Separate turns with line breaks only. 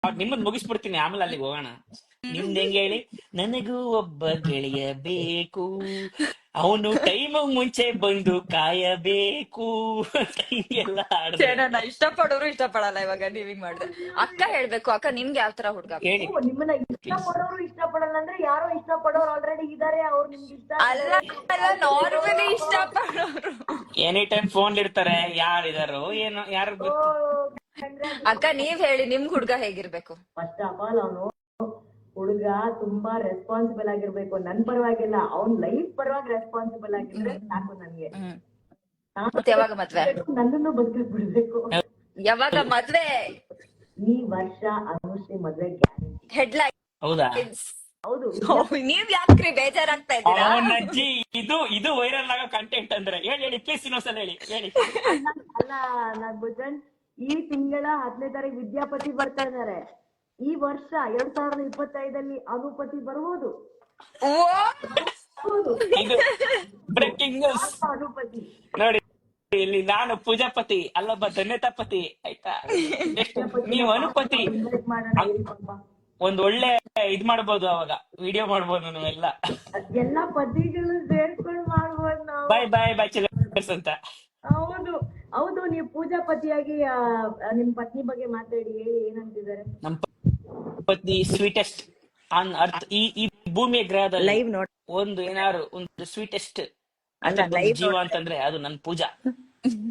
ನಿಮ್ಮದ್ ಮುಗಿಸ್ಬಿಡ್ತೀನಿ, ಆಮೇಲೆ ಅಲ್ಲಿಗೆ ಹೋಗೋಣ. ನಿಮ್ದ್ ಹೆಂಗ್ ಹೇಳಿ? ನನಗೂ ಒಬ್ಬ ಗೆಳೆಯ ಬೇಕು, ಅವನು ಟೈಮ್ ಮುಂಚೆ ಬಂದು ಕಾಯಬೇಕು ಅಂತ ಹಿಂಗೆಲ್ಲ ಹಾಡಿದ್ರೆ
ನನ್ನ ಇಷ್ಟಪಡೋರು ಇಷ್ಟಪಡಲ್ಲ. ಇವಾಗ ನೀವ್ ಹಿಂಗ್ ಮಾಡಿದ್ರೆ ಅಕ್ಕ ಹೇಳ್ಬೇಕು. ಅಕ್ಕ ನಿಮ್ಗೆ ಯಾವ ತರ ಹುಡ್ಗ ಬೇಕು?
ಹೇಳಿ
ನಿಮ್ಮನ್ನ
ಪ್ಲೀಸ್.
ಇಷ್ಟಪಡೋರು ಇಷ್ಟಪಡಲ್ಲ ಅಂದ್ರೆ ಯಾರೋ ಇಷ್ಟಪಡೋರು ಆಲ್ರೆಡಿ ಇದಾರೆ, ಅವ್ರು ನಿಮ್ಗೆ ಇಷ್ಟ
ಅಲ್ಲ ಅಲ್ಲ, ನಾರ್ಮಲಿ ಇಷ್ಟಪಡೋರು.
ಎನಿ ಟೈಮ್ ಫೋನ್ ಇರ್ತಾರೆ, ಯಾರಿದಾರೋ ಏನೋ, ಯಾರು ಗೊತ್ತು.
ಅಕ್ಕ ನೀವ್ ಹೇಳಿ, ನಿಮ್ಗ್ ಹುಡ್ಗ ಹೇಗಿರ್ಬೇಕು?
ಫಸ್ಟ್ ಆಫ್ ಆಲ್ ಅವನು ಹುಡುಗ ತುಂಬಾ ರೆಸ್ಪಾನ್ಸಿಬಲ್ ಆಗಿರ್ಬೇಕು. ನನ್ ಪರವಾಗಿಲ್ಲ, ಅವ್ನ್ ಲೈಫ್ ಪರವಾಗಿ ರೆಸ್ಪಾನ್ಸಿಬಲ್ ಆಗಿದ್ರೆ ಸಾಕು ನನ್ಗೆ.
ಮತ್ತೆ ಯಾವಾಗ ಮದ್ವೆ?
ನನ್ನನ್ನು ಬದುಕಿಸ್ ಬಿಡ್ಬೇಕು.
ಯಾವಾಗ ಮದ್ವೆ?
ಈ ವರ್ಷ ಅನುಶ್ರೀ ಮದ್ವೆ ಗ್ಯಾರಂಟಿ.
ಹೆಡ್ಲೈನ್.
ಹೌದಾ?
ಹೌದು.
ನೀವ್ ಯಾಕ್ರಿ ಬೇಜಾರಾಗ್ತಾ ಇದ್ದೀರಾ?
ಅಜ್ಜಿ, ಇದು ವೈರಲ್ ಆಗೋ ಕಂಟೆಂಟ್ ಅಂದ್ರೆ ಹೇಳಿ ಪ್ಲೀಸ್, ಇನ್ನೊಂದ್ಸಲ ಹೇಳಿ.
ಅಲ್ಲ ನಾಗಭೂಷಣ್, ಈ ತಿಂಗಳ 10ನೇ ತಾರೀಕು ವಿದ್ಯಾಪತಿ ಬರ್ತಾ ಇದಾರೆ. ಈ ವರ್ಷ 2025 ಅನುಪತಿ ಬರ್ಬೋದು.
ಇದು ಬ್ರೇಕಿಂಗ್ ನ್ಯೂಸ್
ಅನುಪತಿ
ನೋಡಿ. ಇಲ್ಲಿ ನಾನು ಪೂಜಾಪತಿ ಅಲ್ಲೊಬ್ಬ ಧನ್ಯತಾಪತಿ, ಆಯ್ತಾ? ನೀವು ಅನುಪತಿ.
ಇನ್ವೈಟ್ ಮಾಡೋಣ ಹೇಳಿ ಪಾಪ.
ಒಂದ್ ಒಳ್ಳೆ ಇದ್ ಮಾಡ್ಬೋದು, ಅವಾಗ ವಿಡಿಯೋ ಮಾಡ್ಬೋದು ನಾವೆಲ್ಲ.
ಎಲ್ಲಾ ಪತಿಗಳು ಸೇರ್ಕೊಂಡು ಮಾಡ್ಬೋದು ನಾವು.
ಬಾಯ್ ಚಿಲ್ಲರ್ಸ್ ಅಂತ.
ಹೌದು ಹೌದು. ನೀವು ಪೂಜಾಪತಿಯಾಗಿ ನಿಮ್ ಪತ್ನಿ ಬಗ್ಗೆ ಮಾತಾಡಿ, ಹೇಳಿ ಏನಂತಿದ್ದಾರೆ.
ನಮ್ ಪತ್ನಿ ಸ್ವೀಟೆಸ್ಟ್ ಆನ್ ಅರ್ತ್. ಈ ಭೂಮಿಯ ಗ್ರಹದಲ್ಲಿ
ಲೈವ್ ನೋಡ್
ಒಂದು ಏನಾದ್ರು ಒಂದು ಸ್ವೀಟೆಸ್ಟ್
ಅಲ್ಲ, live
ಜೀವ ಅಂತಂದ್ರೆ ಅದು ನನ್ ಪೂಜಾ.